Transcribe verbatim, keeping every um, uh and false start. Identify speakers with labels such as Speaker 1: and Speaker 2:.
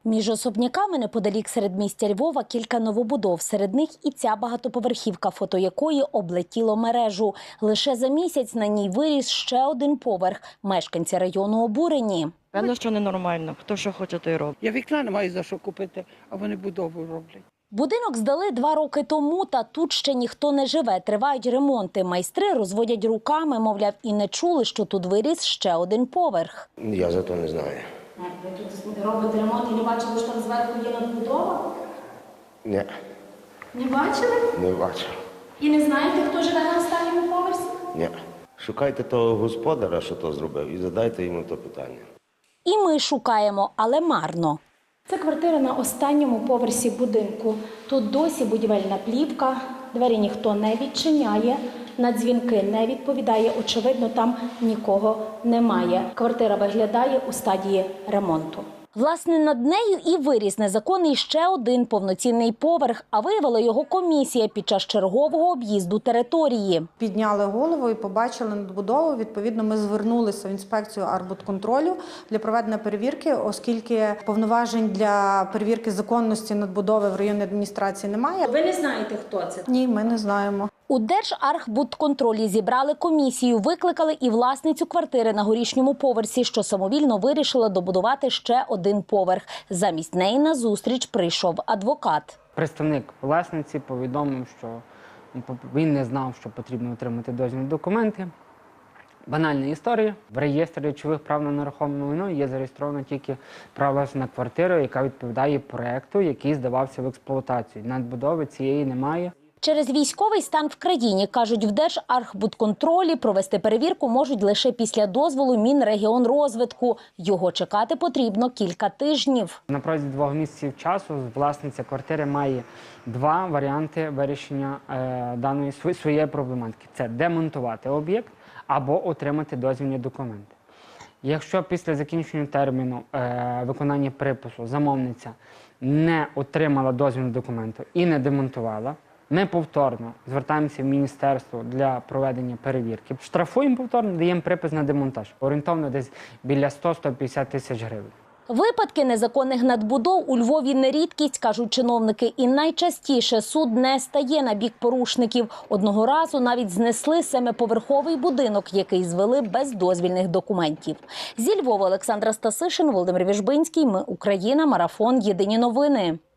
Speaker 1: Між особняками неподалік середмістя Львова кілька новобудов. Серед них і ця багатоповерхівка, фото якої облетіло мережу. Лише за місяць на ній виріс ще один поверх. Мешканці району обурені.
Speaker 2: Певно, що ненормально. Хто що хоче, той робить.
Speaker 3: Я вікна не маю за що купити, а вони будову роблять.
Speaker 1: Будинок здали два роки тому, та тут ще ніхто не живе. Тривають ремонти. Майстри розводять руками, мовляв, і не чули, що тут виріс ще один поверх.
Speaker 4: Я за то не знаю.
Speaker 1: Ви тут робите ремонт і не бачили, що там зверху є надбудова?
Speaker 4: Ні,
Speaker 1: Не бачили?
Speaker 4: не бачу.
Speaker 1: І не знаєте, хто живе на останньому поверсі?
Speaker 4: Ні. Шукайте того господара, що то зробив, і задайте йому то питання.
Speaker 1: І ми шукаємо, але марно. Це квартира на останньому поверсі будинку. Тут досі будівельна плівка, двері ніхто не відчиняє, на дзвінки не відповідає, очевидно, там нікого немає. Квартира виглядає у стадії ремонту. Власне, над нею і виріс незаконний ще один повноцінний поверх, а виявила його комісія під час чергового об'їзду території.
Speaker 5: Підняли голову і побачили надбудову. Відповідно, ми звернулися в інспекцію архбудконтролю для проведення перевірки, оскільки повноважень для перевірки законності надбудови в районній адміністрації немає.
Speaker 1: Ви не знаєте, хто це?
Speaker 5: Ні, ми не знаємо.
Speaker 1: У Держархбудконтролі зібрали комісію, викликали і власницю квартири на горішньому поверсі, що самовільно вирішила добудувати ще один поверх. Замість неї на зустріч прийшов адвокат.
Speaker 6: Представник власниці повідомив, що він не знав, що потрібно отримати дозвільні документи. Банальна історія. В реєстрі речових прав на нерухоме майно є зареєстровано тільки право власності на квартиру, яка відповідає проекту, який здавався в експлуатацію. Надбудови цієї немає.
Speaker 1: Через військовий стан в країні, кажуть, в Держархбудконтролі провести перевірку можуть лише після дозволу Мінрегіонрозвитку. Його чекати потрібно кілька тижнів.
Speaker 6: На протязі двох місяців часу власниця квартири має два варіанти вирішення е, даної своєї проблематики. Це демонтувати об'єкт або отримати дозвільні документи. Якщо після закінчення терміну е, виконання припису замовниця не отримала дозвільні документи і не демонтувала, ми повторно звертаємося в міністерство для проведення перевірки. Штрафуємо повторно, даємо припис на демонтаж. Орієнтовно десь біля сто - сто п'ятдесят тисяч гривень.
Speaker 1: Випадки незаконних надбудов у Львові не рідкість, кажуть чиновники, і найчастіше суд не стає на бік порушників. Одного разу навіть знесли семиповерховий будинок, який звели без дозвільних документів. Зі Львова Олександра Стасишин, Володимир Віжбинський. Ми Україна. Марафон. Єдині новини.